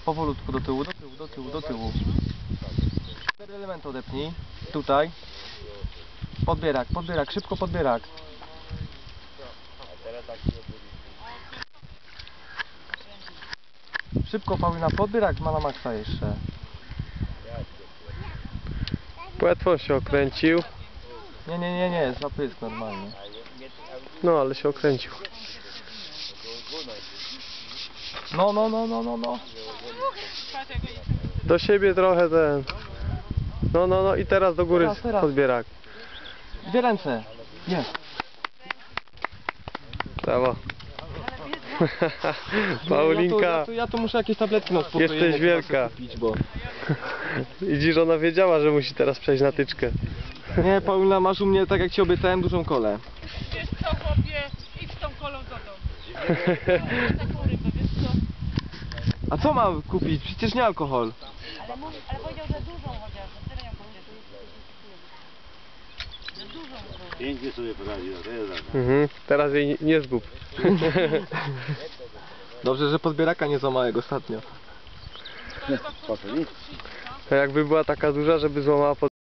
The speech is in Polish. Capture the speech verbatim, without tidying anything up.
Powolutku do tyłu, do tyłu, do tyłu, do tyłu. Cztery elementy odepnij. Tutaj. Podbierak, podbierak, szybko podbierak. Szybko, Paulina, podbierak ma na maksa jeszcze. Płetwą się okręcił. Nie, nie, nie, nie, zapysk normalnie. No, ale się okręcił. No, no, no, no, no, no. Do siebie trochę ten. No, no, no i teraz do góry Teraz, teraz. podbierak. Dwie ręce. Jest. Brawo. Ja tu, Paulinka, ja, tu, ja tu muszę jakieś tabletki na uspokojenie jesteś wielka. kupić, bo... Widzisz, ona wiedziała, że musi teraz przejść na tyczkę. Nie, Paulina, masz u mnie, tak jak ci obiecałem, dużą kolę. Wiesz co, chłopie, idź z tą kolą do domu. Taką rybę, wiesz co? A co mam kupić? Przecież nie alkohol. Ale, mówi, ale powiedział, że dużą chociaż, że tyle ją powiedział. Że dużą kolą. Pięknie sobie poradziła, to jest tak. Mhm. Teraz jej nie zgub. Dobrze, że podbieraka nie złamałem ostatnio. Po co nic? To jakby była taka duża, żeby złamała pod...